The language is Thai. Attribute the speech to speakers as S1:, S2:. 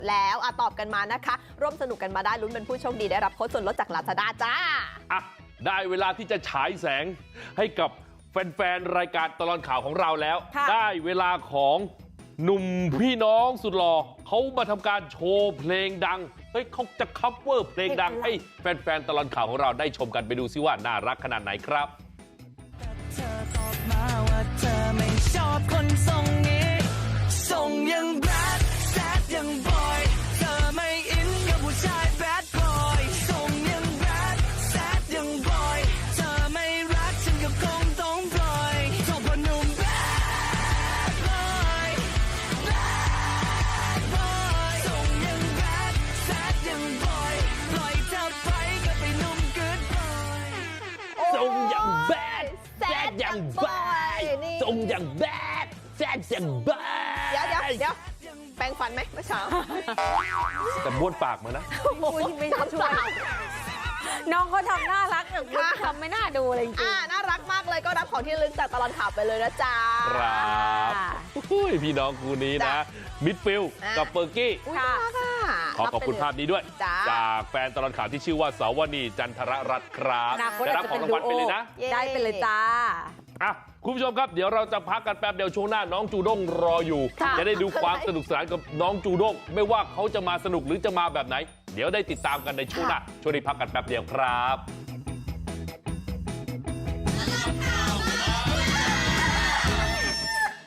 S1: แล้วตอบกันมานะคะร่วมสนุกกันมาได้ลุ้นเป็นผู้โชคดีได้รับโค้ดส่วนลดจาก Lazada จ้า
S2: ได้เวลาที่จะฉายแสงให้กับแฟนๆรายการตลอดข่าวของเราแล้วได้เวลาของหนุ่มพี่น้องสุดหล่อเขามาทำการโชว์เพลงดังเขาจะคัฟเวอร์เพลงดังให้แฟนๆตลอดข่าวของเราได้ชมกันไปดูซิว่าน่ารักขนาดไหนครับ
S3: เธอตอบมาว่าเธอไม่ชอบคนทรงนี้ทรงยังแบดแซดยังบอยเธอไม่อินกับผู้ชายแบดบอยทรงยังแบดแซดยังบอยเธอไม่รักฉันก็คงต้องปล่อยชอบคนหนุ่มแบดบอยแบดบอยทรงยังแบดแซดยังบอยปล่อยเธอไปก็ไปหนุ่มกู๊ดบอย
S2: ทรงอย่างแบดแซดอย่างบอยทรงอย่างแบดแซดอย่างบอย
S1: เดี๋ยวแปรงฟันไหมเมื่อเช้า
S2: แต่บ้วนปากมานะ
S4: ไม่ช่วยน้องเขาทำน่ารักแต่คุณทำไม่น่าดูเลยจริง
S1: น่ารักมากเลยก็รับของที่ระลึกจากตลอดข่าวไปเลยนะจ๊ะ
S2: ครับพี่น้องคู่นี้นะมิดฟิลกับเปอร์กี้ขอบคุณภาพนี้ด้วยจากแฟนตลอดข่าวที่ชื่อว่าสาวนีจันทรรัตน์ครับได้รับของรางวัลไปเลยนะ
S4: ได้ไปเลยจ้า
S2: คุณผู้ชมครับเดี๋ยวเราจะพักกันแป๊บเดียวช่วงหน้าน้องจูด้งรออยู่จะได้ดูความสนุกสนานกับน้องจูด้งไม่ว่าเขาจะมาสนุกหรือจะมาแบบไหนเดี๋ยวได้ติดตามกันในช่วงหน้าช่วงนี้พักกันแป๊บเดียวครับ